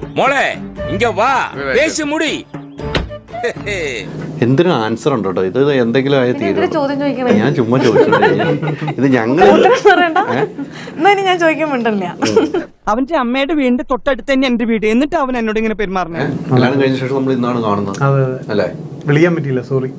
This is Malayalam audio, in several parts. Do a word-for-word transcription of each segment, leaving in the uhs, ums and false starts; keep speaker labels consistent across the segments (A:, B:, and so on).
A: മോളെ ഇങ്ങ വാ പേശി മുടി.
B: എന്തിനും ആൻസർ ഉണ്ട് കേട്ടോ. ഇത് എന്തെങ്കിലും ആയ തീരും.
C: ചോദ്യം ചോദിക്കണേ
B: ഞാൻ ചുമ്മാ ചോദിച്ചു. ഇത് ഞങ്ങൾ
C: ഞാൻ ചോദിക്കുമ്പോണ്ടല്ല.
D: അവന്റെ അമ്മയുടെ വീടിന്റെ തൊട്ടടുത്ത് തന്നെ എന്റെ വീട്. എന്നിട്ട് അവൻ എന്നോട് ഇങ്ങനെ പെരുമാറണേ.
B: കല്യാണം കഴിഞ്ഞ ശേഷം നമ്മൾ ഇന്നാണ് കാണുന്നത് അല്ലേ?
E: വിളിക്കാൻ പറ്റിയില്ല, സോറി.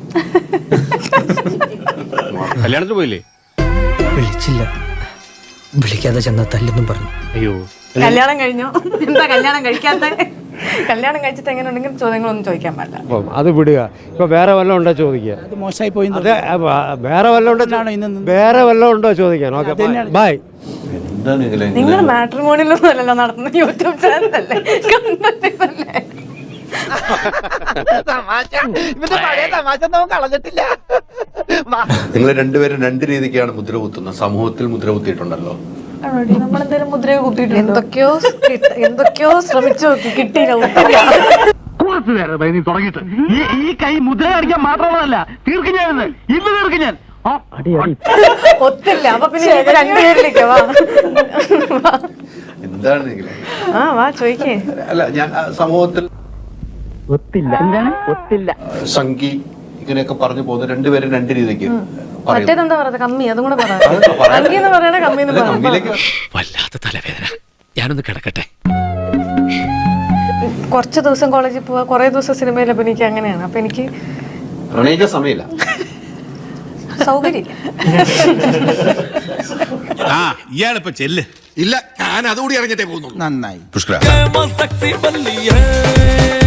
A: കല്യാണത്തിന് പോയില്ലേ?
F: വിളിച്ചില്ല. വിളിക്കാതെ ചെന്ന തല്ലെന്നും പറഞ്ഞു.
A: അയ്യോ,
C: കല്യാണം കഴിഞ്ഞോ? എന്താ കല്യാണം കഴിക്കാത്ത? കല്യാണം കഴിച്ചിട്ട് എങ്ങനെ ഉണ്ടെങ്കിൽ ചോദ്യങ്ങളൊന്നും ചോദിക്കാൻ പാടില്ല.
G: അത് വിടുക. ഇപ്പൊ വേറെ വല്ലതും ഉണ്ടോ ചോദിക്കുക?
F: മോശമായി പോയി.
G: വേറെ വല്ലതും ഉണ്ടോ? വേറെ വല്ലതും ഉണ്ടോ ചോദിക്കാൻ? Okay, bye.
C: നിങ്ങൾ മാട്രിമോണിയിലൊന്നും അല്ലല്ലോ നടത്തുന്ന, യൂട്യൂബ് ചാനലല്ലേ, കണ്ടല്ലേ?
B: നിങ്ങൾ രണ്ടുപേരും രണ്ട് രീതിക്കാണ് മുദ്ര കുത്തുന്നത്. സമൂഹത്തിൽ മുദ്ര കുത്തിയിട്ടുണ്ടല്ലോ.
C: നമ്മളെന്തായാലും മുദ്ര കുത്തിയിട്ടുണ്ട്. എന്തൊക്കെയോ എന്തൊക്കെയോ ശ്രമിച്ചു നോക്കി, കിട്ടിയില്ല.
H: ഈ കൈ മുദ്ര കാണിക്കാൻ മാത്രമുള്ളതല്ല, തീർക്കും ഞാൻ ഇന്ന് തീർക്കും ഞാൻ.
C: ഒത്തില്ല. അപ്പൊ പിന്നെ രണ്ടുപേരിലേക്ക് വാ.
B: എന്താണ്
C: ആ വാ ചോദിക്കേ.
B: അല്ല, ഞാൻ സമൂഹത്തിൽ
H: ഒത്തില്ല. എന്താണ് ഒത്തില്ല?
B: സംഗി ഇങ്ങനെയൊക്കെ പറഞ്ഞു പോകുന്നത് രണ്ടുപേരും രണ്ട് രീതിക്ക്.
C: മറ്റേതെന്താ പറയുന്നത്? കമ്മി. അതും കൂടെ പറയാം. സംഗി എന്ന് പറയണ കമ്മി എന്ന് പറയാം.
A: വല്ലാത്ത തലവേദന, ഞാനൊന്ന് കിടക്കട്ടെ.
C: കുറച്ച് ദിവസം കോളേജിൽ പോവാ, കുറെ ദിവസം സിനിമയിൽ അഭിനയിക്കുക, അങ്ങനെയാണ്. അപ്പൊ എനിക്ക്
B: പ്രണയിക്കാൻ സമയമില്ല,
C: സൗകര്യം.
I: ആ ഇയാളിപ്പോ ചെല്ല്. ഇല്ല, ഞാൻ അതുകൂടി അറിഞ്ഞിട്ടേ പോകുന്നു.
F: നന്നായി.
I: പുഷ്കര